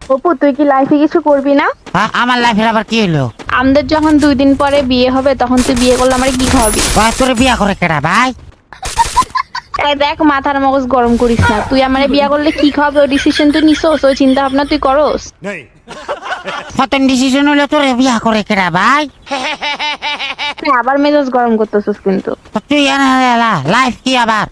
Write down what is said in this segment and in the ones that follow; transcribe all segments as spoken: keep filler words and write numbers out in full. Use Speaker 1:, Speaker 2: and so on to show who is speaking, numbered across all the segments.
Speaker 1: অপু তুই কি লাইফে কিছু করবি না?
Speaker 2: আ- আমার লাইফের আবার কি হলো?
Speaker 1: আমাদের যখন দুই দিন পরে বিয়ে হবে তখন তুই বিয়ে করলে আমার কি খাওয়াবি?
Speaker 2: ভাই তোরে বিয়া করে কেডা ভাই?
Speaker 1: এই দেখ মাথার মগজ গরম করিস না, তুই আমারে বিয়ে করলে কি খাওয়াবে ওই ডিসিশন তুই নিছস, ওই চিন্তা ভাবনা তুই করস?
Speaker 2: প্রথম ডিসিশন হলো তোরে বিয়া করে কেডা ভাই?
Speaker 1: তুই আবার মেজাজ গরম করতেছিস কিন্তু।
Speaker 2: তো তুই লাইফ কি আবার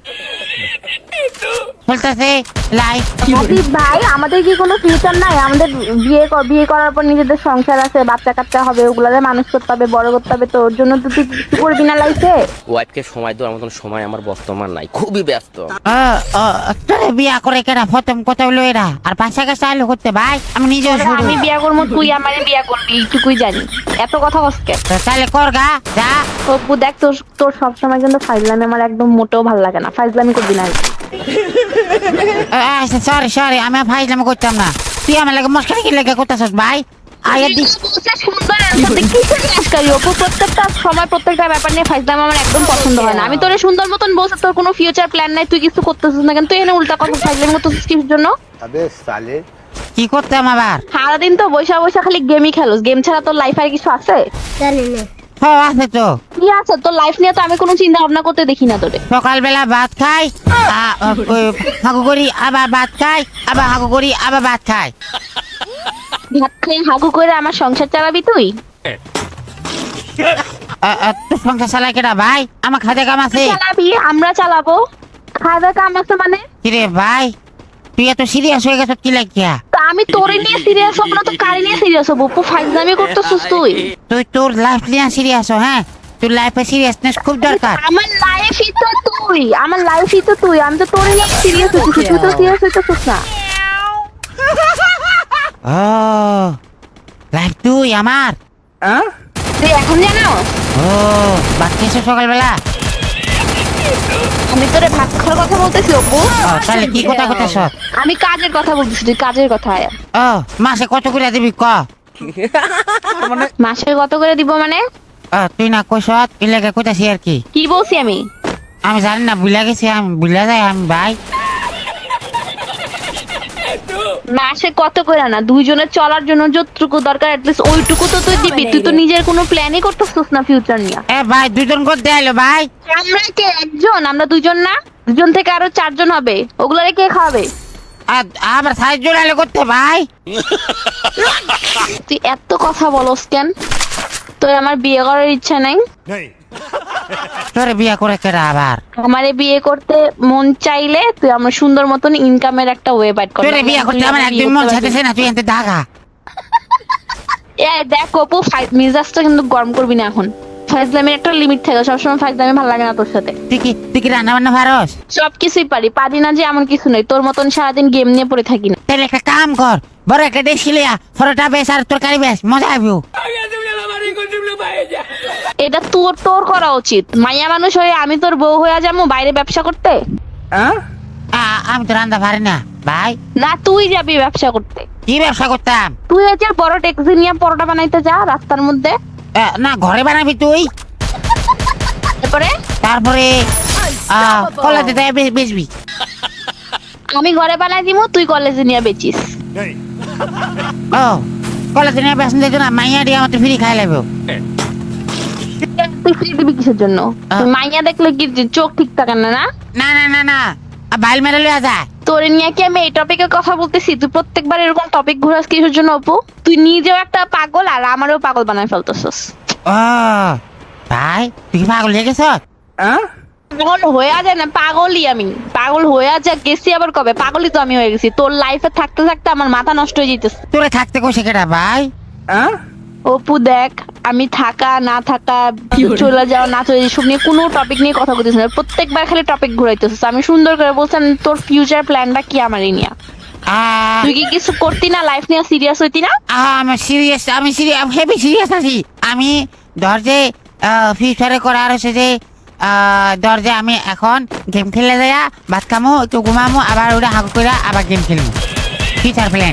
Speaker 2: বলতেছে লাইফ
Speaker 1: হাবিব ভাই আমাদের কি কোনো ফিউচার নাই? আমাদের বিয়ে ক- বিয়ে করার পর নিজেদের সংসার আছে, বাচ্চা কাচ্চা হবে, ওগুলারে মানুষ করতে হবে, বড় করতে হবে, তো ওর জন্য তো তুই কিছু করবি না লাইফে?
Speaker 3: ওয়াইফকে সময় দেওয়ার মতন সময় আমার বর্তমান নাই, খুবই ব্যস্ত।
Speaker 2: তোরে বিয়া করে কেডা? প্রথম কথা হলো এরা, আর বাসা কাছে আলো করতে ভাই আমি নিজেও
Speaker 1: তোরা
Speaker 2: শুরু।
Speaker 1: আমি বিয়ে করবো, তুই আমারে বিয়ে করবি, এইটুকুই জানি। এত কথা কসকে?
Speaker 2: তো তাহলে কর গা যা।
Speaker 1: অপু দেখ তোর তোর সবসময় কিন্তু ফাইজলামি আমার একদম মোটেও ভালো লাগে না, ফাইজলামি করবি না।
Speaker 2: সরি সরি আমি ফাইজলামি করতাম না, তুই আমার লাগে মস্কারি কি লেগে করতেছস ভাই? আয়া দিস
Speaker 1: সুন্দর answer দে, কিসের মস্কারি? অপু প্রত্যেকটা সময় প্রত্যেকটা ব্যাপার নিয়ে ফাইজলামি আমার একদম পছন্দ হয় না। আমি তোরে সুন্দর মতন বলছি তোর কোনো ফিউচার প্ল্যান নাই, তুই কিছু করতেছিস না কেন? তুই এখানে উল্টা কথা ফাইজলামি করতেছিস কিসের জন্য?
Speaker 4: अबे साले
Speaker 2: কি করতাম আবার?
Speaker 1: সারাদিন তো বৈশা বৈশা খালি গেমই খেলোস, গেম ছাড়া তোর লাইফ আর কিছু আছে?
Speaker 2: হ আছে তো।
Speaker 1: কি আছে তোর লাইফ নিয়ে? তো আমি কোনো চিন্তা ভাবনা করতে দেখি না তোরে।
Speaker 2: সকালবেলা ভাত খাই, আ- আ- ওই হাগু করি আবার ভাত খাই, আবার হাগু করি আবার ভাত খাই।
Speaker 1: ভাত খেয়ে হাগু করে আমার সংসার চালাবি তুই?
Speaker 2: আ, আ, তোর সংসার চালাই কেডা ভাই? আমার খাদে কাম আছে।
Speaker 1: চালাবি, আমরা চালাবো। খাওয়া কাম আছে মানে?
Speaker 2: কিরে ভাই তুই এত সিরিয়াস হয়ে গেছ কি লাগিয়া?
Speaker 1: তা আমি তোরে নিয়ে সিরিয়াস হব না তো কারে নিয়ে সিরিয়াস হব? অপু ফাইজলামি করতেছিস তুই।
Speaker 2: তুই তোর লাইফ নিয়ে সিরিয়াস হ, হ্যাঁ তোর লাইফে সিরিয়াসনেস খুব দরকার।
Speaker 1: আমার লাইফই তো তুই, আমার লাইফই তো তুই, আমি তো তোরে নিয়ে সিরিয়াস হচ্ছি, তুই তো সিরিয়াস হইতেছিস না।
Speaker 2: ও লাইফ তুই আমার।
Speaker 1: তুই এখন জানো
Speaker 2: ও ভাত খেয়েছো সকালবেলা?
Speaker 1: আমি তোরে ভাত খাওয়ার কথা বলতেছি অপু।
Speaker 2: ও, তাহলে কি কথা কথা সব?
Speaker 1: আমি কাজের কথা বলতেছি, তুই কাজের কথা।
Speaker 2: ও মাসে কত করে দিবি ক?
Speaker 1: মাসে কত করে দিব মানে?
Speaker 2: ও তুই না কইস ইলাকা কইতাছি আর কি।
Speaker 1: কি বলছি আমি?
Speaker 2: আমি জানি না, বুলা গেছি আমি, বুলা যাই আমি ভাই।
Speaker 1: মাসে কত করে না, দুইজনের চলার জন্য যতটুকু দরকার অ্যাটলিস্ট ওইটুকু তো তুই দিবি। তুই তো নিজের কোনো প্ল্যানই করতেছিস না ফিউচার নিয়ে।
Speaker 2: এ ভাই দুজন করতে আইলো ভাই।
Speaker 1: আমরা কে একজন? আমরা দুইজন না, দুজন থেকে আরো চারজন হবে, ওগুলারে কে খাওয়াবে?
Speaker 2: আর আবার সাহায্য আইলো করতে ভাই।
Speaker 1: তুই এত কথা বলস কেন? তোর আমার বিয়ে করার ইচ্ছা নাই?
Speaker 2: তোরে বিয়া করে কেডা আবার?
Speaker 1: আমারে বিয়ে করতে মন চাইলে তুই আমার সুন্দর মতন ইনকামের একটা ওয়ে বাইট কর।
Speaker 2: তোরে বিয়া করতে আমার একদম মন চাইতেছে না, তুই এনতে দাগা।
Speaker 1: এ দেখ অপু, ফাইভ মিজাজটা কিন্তু গরম করবি না এখন। ফাইজলামের একটা লিমিট থাকে, সবসময় ফাইজলামি ভালো লাগে না তোর সাথে।
Speaker 2: তুই কি তুই কি রান্না বান্না পারস?
Speaker 1: সব কিছুই পারি, পারি না যে এমন কিছু নেই। তোর মতন সারাদিন গেম নিয়ে পড়ে থাকি না।
Speaker 2: তাহলে একটা কাম কর, বড় একটা দেশি লিয়া ফটোটা বেশ আর তরকারি বেশ মজা আইবো।
Speaker 1: এটা তোর তোর করা উচিত। মাইয়া মানুষ হয়ে আমি তোর বউ হয়ে যাবো বাইরে ব্যবসা করতে?
Speaker 2: আ- আমি তো রান্না পারি না ভাই।
Speaker 1: না তুই যাবি ব্যবসা করতে।
Speaker 2: কি ব্যবসা করতাম?
Speaker 1: তুই হচ্ছে বড় ট্যাক্সি নিয়ে পরোটা বানাইতে যা রাস্তার মধ্যে।
Speaker 2: এ, না ঘরে বানাবি তুই,
Speaker 1: তারপরে
Speaker 2: তারপরে কলেজে যাই বেচবি।
Speaker 1: আমি ঘরে বানাই দিব, তুই কলেজে নিয়ে বেচিস।
Speaker 2: ও কলেজে নিয়ে বেসন দিত না, মাইয়া দিয়ে আমার ফ্রি খাই লাগবে।
Speaker 1: তুই ফ্রি দিবি কিসের জন্য?
Speaker 2: আহ।
Speaker 1: তুই মাইয়া দেখলে কি যে চোখ ঠিক থাকে না? না
Speaker 2: না না না না বাইল মেরে লইয়া যায়।
Speaker 1: তোরে নিয়ে কি আমি এই টপিকের কথা বলতেছি? তুই প্রত্যেকবার এরকম টপিক ঘুরাস কিসের জন্য অপু? তুই নিজেও একটা পাগল আর আমারও পাগল বানাই ফেলতেছস।
Speaker 2: ও ভাই তুই কি পাগল হয়ে গেছ?
Speaker 1: পাগল হয়ে যায় না, পাগলই আমি। পাগল হয়ে যা গেছি আবার কবে? পাগলই তো আমি হয়ে গেছি। তোর লাইফে থাকতে থাকতে আমার মাথা নষ্ট হয়ে যেতেছে।
Speaker 2: তোরে থাকতে কইছে কেডা ভাই?
Speaker 1: অপু দেখ, আমি থাকা না থাকা, চলে যাওয়া না চলে যাওয়া, সব নিয়ে কোনো টপিক নিয়ে কথা বলতেছিস না। প্রত্যেকবার খালি টপিক ঘুরাইতেছিস। আমি সুন্দর করে বলছিলাম তোর ফিউচার প্ল্যানটা কি আমারই নিয়ে।
Speaker 2: আ-
Speaker 1: তুই কি কিছু করতি না? লাইফ নিয়ে সিরিয়াস হইতি না?
Speaker 2: আমি সিরিয়াস, আমি সিরিয়াস, হেভি সিরিয়াস আছি আমি। ধর যে ফিউচারে করার হচ্ছে যে ধর যে আমি এখন গেম খেলে যাইয়া ভাত খামো, একটু ঘুমামো, আবার ওটা হাগু করে আবার গেম খেলবো। Future plan.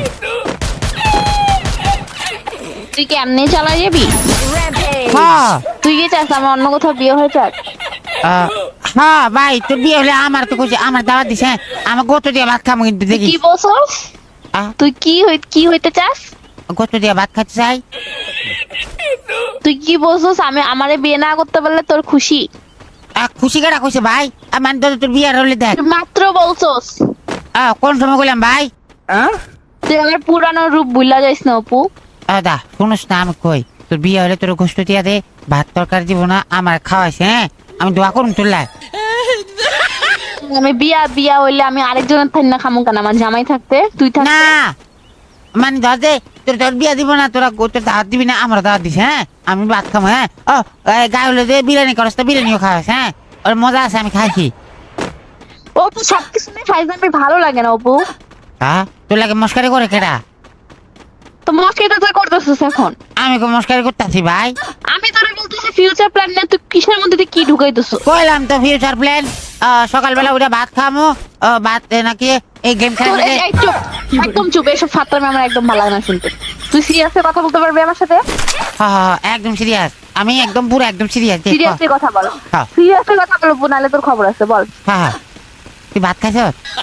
Speaker 1: তুই কি এমনি চালা যাবি?
Speaker 2: হ্যাঁ
Speaker 1: তুই কি চাস আমার অন্য কোথাও বিয়ে হয়ে যাক?
Speaker 2: আহ, হ্যাঁ ভাই তোর বিয়ে হলে আমার তো কইছে, আমার দাওয়াত দিছে, আমার গোতো দিয়ে ভাত খামো কিন্তু দেখি।
Speaker 1: কি বলছস?
Speaker 2: আহ
Speaker 1: তুই কি হই কি হইতে চাস?
Speaker 2: গোস্ত দিয়ে ভাত খাইতে চাই।
Speaker 1: তুই কি বলছিস আমি আমারে বিয়ে না করতে পারলে তোর খুশি?
Speaker 2: আহ, খুশি কেটা কইছে ভাই? আমার তো তোর বিয়ার হলে দেখ।
Speaker 1: তুই মাত্র বলছস।
Speaker 2: আহ, কোন সময় কইলাম ভাই?
Speaker 1: তুই আমার পুরানো রূপ ভুলা যাইস না অপু।
Speaker 2: আহ, দা শুনুস না আমি কই, তোর বিয়ে হলে তোর গোস্ত দিয়া দে, ভাত তরকারি দিব না, আমার খাওয়াইছে। হ্যাঁ আমি দোয়া করুন তোর লাই।
Speaker 1: আমি বিয়া বিয়া হইলে আমি আরেকজনের থাই না খামু কেন? আমার জামাই থাকতে তুই থাক
Speaker 2: না মানে ধর দে, তোর তোর বিয়া দিব না, তোরা তোর দাওয়াত দিবি না, আমার দাওয়াত দিস। হ্যাঁ আমি ভাত খাবো। হ্যাঁ ও গায়ে হলে যে বিরিয়ানি করস তো বিরিয়ানিও খাওয়াস। হ্যাঁ ওর মজা আছে, আমি খাইছি।
Speaker 1: অপু সবকিছু নিয়ে ফাইজলামি ভালো লাগে না অপু।
Speaker 2: হ্যাঁ তোর লাগে মস্কারি করে কেডা?
Speaker 1: তো মস্কারিটা তুই করতেছিস এখন।
Speaker 2: আমি কো মস্কারি করতেছি ভাই?
Speaker 1: আমি তোরে বলতেছি ফিউচার প্ল্যান নিয়ে তুই কিসের মধ্যে দিয়ে কি ঢুকাইতেছিস?
Speaker 2: কইলাম তো ফিউচার প্ল্যান। সকালবেলা উঠে ভাত খামো, আহ, ভাত এ, নাকি এই গেম
Speaker 1: তোর
Speaker 2: খেলা।
Speaker 1: এই- এই চুপ, একদম চুপ, এসব ফাত্রামি আমার একদম ভালো লাগে না শুনতে। তুই সিরিয়াসলি কথা বলতে পারবি আমার সাথে?
Speaker 2: হ্যাঁ হ্যাঁ একদম সিরিয়াস, আমি একদম পুরো একদম সিরিয়াস।
Speaker 1: সিরিয়াসলি কথা বল,
Speaker 2: হ্যাঁ।
Speaker 1: সিরিয়াসলি কথা বল অপু, নাহলে তোর খবর আছে, বল।
Speaker 2: হ্যাঁ হ্যাঁ তুই ভাত খাইছ?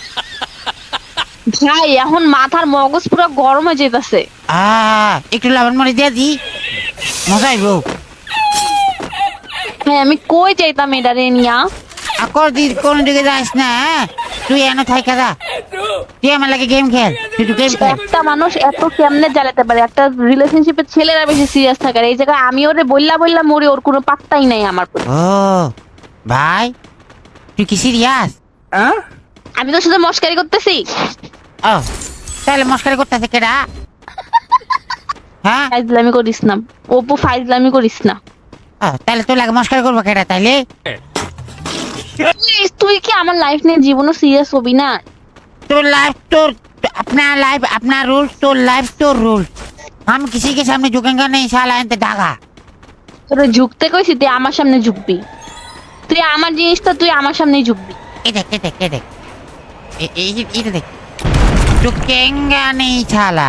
Speaker 1: ভাই এখন মাথার মগজ পুরো গরম হয়ে যেতেছে।
Speaker 2: আহ একটু লবণ মরিচ দিয়ে দি, মজা আইব।
Speaker 1: হ্যাঁ আমি কই যাইতাম এটারে নিয়া।
Speaker 2: আকর দি কোন দিকে যাস না। হ্যাঁ তুই এনে থাইকা যা, তুই আমার লাগে গেম খেল, তুই তো গেম খেল।
Speaker 1: একটা মানুষ এত কেমনে জ্বালাতে পারে? একটা রিলেশনশিপে ছেলেরা বেশি সিরিয়াস থাকে, আর এই জায়গায় আমি ওরে বললা বললা মরি, ওর কোনো পাত্তাই নাই আমার প্রতি।
Speaker 2: ও ভাই তুই কি সিরিয়াস?
Speaker 1: আমি তোর সাথে মস্কারি করতেছি।
Speaker 2: ও তাহলে মস্কারি করতেছে কেডা? হ্যাঁ
Speaker 1: ফাইজলামি করিস না অপু, ফাইজলামি করিস না।
Speaker 2: ও তাহলে তোর লাগে মস্কারি করবো কেডা তাইলে?
Speaker 1: Please, তুই কি আমার লাইফ নিয়ে জীবনও সিরিয়াস হবি না?
Speaker 2: তোর লাইফ তোর, अपना लाइफ अपना रूल, तो लाइफ तो रूल। हम किसी के सामने झुकेंगे नहीं साला, एंते दागा।
Speaker 1: তোরে ঝুঁকতে কইছি, তুই আমার সামনে ঝুঁকবি। তুই আমার জিনিসটা তুই আমার সামনেই ঝুঁকবি।
Speaker 2: ये देख ये देख ये देख ये ये ये देख, झुकेंगे नहीं साला।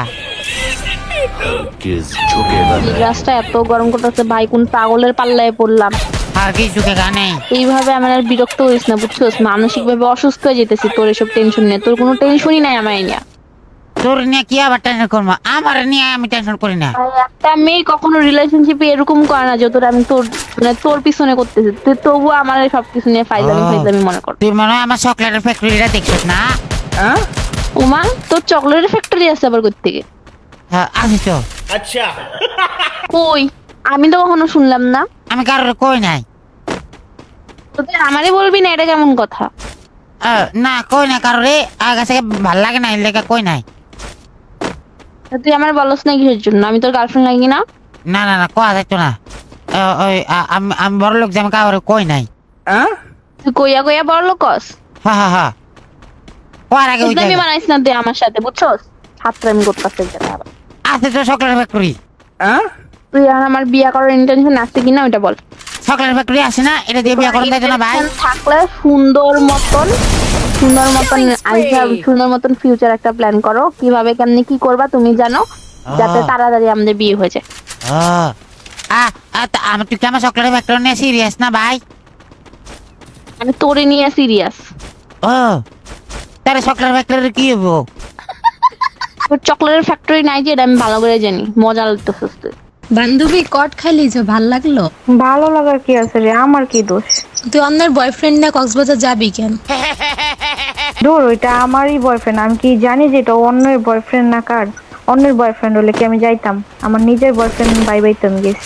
Speaker 4: किस झुकेगा नहीं।
Speaker 1: গ্লাসটা এত গরম করতেছে ভাই, কোন পাগলের পাল্লায় পড়লাম।
Speaker 2: हर किस झुकेगा नहीं।
Speaker 1: এইভাবে আমার আর বিরক্ত হইস না, বুঝছস? মানসিক ভাবে অসুস্থ হয়ে যেতেছি তোর এসব টেনশন নিয়ে। তোর কোনো টেনশনই নাই আমার নিয়ে।
Speaker 2: তোর নিয়ে কি আবার টেনশন করবো? আমার নিয়ে আমি টেনশন করি না।
Speaker 1: ভাই, একটা মেয়ে কখনো রিলেশনশিপে এরকম করে না যতটা আমি তোর মানে তোর পিছনে করতেছি। তুই তবু আমার এই সবকিছু নিয়ে ফাইজলামি
Speaker 2: ও।
Speaker 1: ফাইজলামি মনে কর।
Speaker 2: তুই মনে হয় আমার চকলেটের ফ্যাক্টরিটা দেখছিস না?
Speaker 1: ওমা, তোর চকলেটের ফ্যাক্টরি আছে আবার কই থেকে?
Speaker 2: হ্যাঁ আসিস তো।
Speaker 1: কই? আমি তো কখনো শুনলাম না।
Speaker 2: আমি কারোর কই নাই।
Speaker 1: তো তুই আমারে বলবি না, এটা কেমন কথা?
Speaker 2: আহ, না কই না কারোরে, আগে থেকে ভাল লাগে না, এর লেগে কই নাই।
Speaker 1: তো তুই আমার বলস না কিসের জন্য? আমি তোর গার্লফ্রেন্ড লাগি না?
Speaker 2: না না না কোয়া যাইতো না। আহ, ওই আ- আমি আমি বড় লোক যে আমি কারোর কই নাই।
Speaker 1: তুই কইয়া কইয়া বড় লোকস।
Speaker 2: হ্যাঁ হ্যাঁ হ্যাঁ কোয়ার আগে ওই
Speaker 1: আমি
Speaker 2: জায়গা।
Speaker 1: বানাইস না তুই আমার সাথে, বুঝছস? হাতরামি করতেছে এটা আবার।
Speaker 2: আছে তো চকলেট ফ্যাক্টরি।
Speaker 1: তুই আর আমার বিয়া করার ইন্টেনশন আছে কিনা ওটা বল।
Speaker 2: চকলেট ফ্যাক্টরি আছে না, এটা দিয়ে বিয়ে করেন যাইতো না ভাই?
Speaker 1: Intention থাকলে সুন্দর মতন সুন্দর মতন আইসা সুন্দর মতন ফিউচার একটা প্ল্যান করো, কিভাবে কেমনে কি করবা তুমি জানো, যাতে
Speaker 2: আহ।
Speaker 1: তাড়াতাড়ি আমাদের বিয়ে হয়ে যায়।
Speaker 2: ও আ আ, তা আমি তুই কি আমার চকলেট ফ্যাক্টরি নিয়ে সিরিয়াস না ভাই?
Speaker 1: আমি তোরে নিয়ে সিরিয়াস।
Speaker 2: ও তাহলে চকলেট ফ্যাক্টরি কি হবো?
Speaker 1: তোর চকলেটের ফ্যাক্টরি নাই যে, এটা আমি ভালো করে জানি। মজা লাগতেছিস তুই।
Speaker 5: বান্ধবী কট খাইলি যে ভাল লাগলো?
Speaker 6: ভালো লাগার কি আছে রে, আমার কি দোষ?
Speaker 5: তুই অন্যের বয়ফ্রেন্ড না কক্সবাজার যাবি কেন?
Speaker 6: দূর, ওইটা আমারই বয়ফ্রেন্ড। আমি কি জানি যে এটা অন্যের বয়ফ্রেন্ড না কার? অন্যের বয়ফ্রেন্ড হলে কি আমি যাইতাম? আমার নিজের বয়ফ্রেন্ড বাই বাইতে আমি গেছি।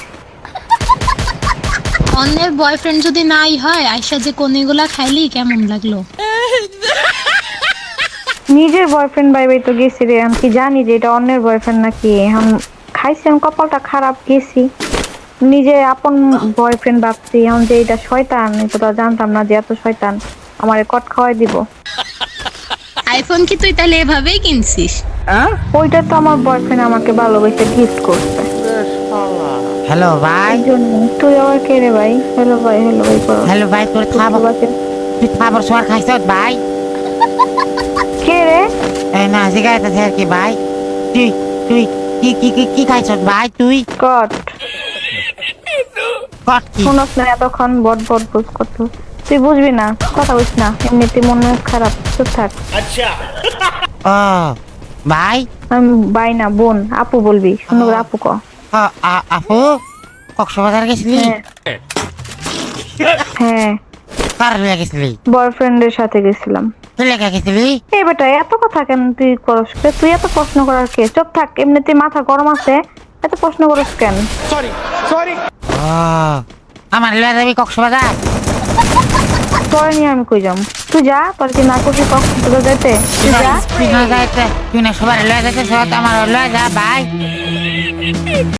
Speaker 5: অন্যের বয়ফ্রেন্ড যদি নাই হয়, আয়সা যে কোনিগুলা খাইলি কেমন লাগলো?
Speaker 6: নিজের বয়ফ্রেন্ড বাই বাই তো গেছি রে, আমি কি জানি যে এটা অন্যের বয়ফ্রেন্ড নাকি? এখন খাইছি, আমি কপালটা খারাপ, গেছি নিজে আপন বয়ফ্রেন্ড ভাবছি। এখন যে এটা শয়তান, এটা জানতাম না যে এত শয়তান আমারে কট খাওয়াই দিব।
Speaker 5: আইফোন কি তুই তাহলে এভাবেই কিনছিস?
Speaker 6: ওইটা তো আমার বয়ফ্রেন্ড আমাকে ভালোবেসে গিফট করছে।
Speaker 2: হ্যালো ভাই।
Speaker 6: এই জন্য তুই আবার কে রে ভাই? হ্যালো ভাই, হ্যালো ভাই করো।
Speaker 2: হ্যালো ভাই, তোর খাবার তুই খাবার সোয়ার খাইছ ভাই?
Speaker 6: কে রে?
Speaker 2: এই না জিগাইতেছে আর কি ভাই। তুই তুই কি কি কি কি খাইছ ভাই তুই?
Speaker 6: কট
Speaker 2: কট কি?
Speaker 6: শুনস না এতক্ষণ বট বট বুঝ করতো, তুই বুঝবি না, কথা বুঝ না, এমনিতে মন খারাপ, চুপ থাক।
Speaker 2: ও ভাই
Speaker 6: আমি ভাই না বোন, আপু বলবি, সুন্দর করে আপু ক।
Speaker 2: আ- আ- আপু কক্সবাজার গেছিলি?
Speaker 6: হ্যাঁ হ্যাঁ,
Speaker 2: কার লিয়া গেছিলি?
Speaker 6: বয়ফ্রেন্ডের সাথে গেছিলাম।
Speaker 2: কি লেখা গেছিলি?
Speaker 6: এই বেটা এত কথা কেন তুই করস কে? তুই এত প্রশ্ন করার কে? চুপ থাক, এমনিতে মাথা গরম আছে, এত প্রশ্ন করস কেন?
Speaker 2: ও আমার লিয়া যাবি কক্সবাজার?
Speaker 6: তোর নিয়ে আমি কই যাম? তুই যা, তোর কি না করবি কক্সবাজার যেতে? তুই যা।
Speaker 2: তুই না যাইতে তুই না সবার লিয়া যাইতে সব আমার লিয়া যা ভাই।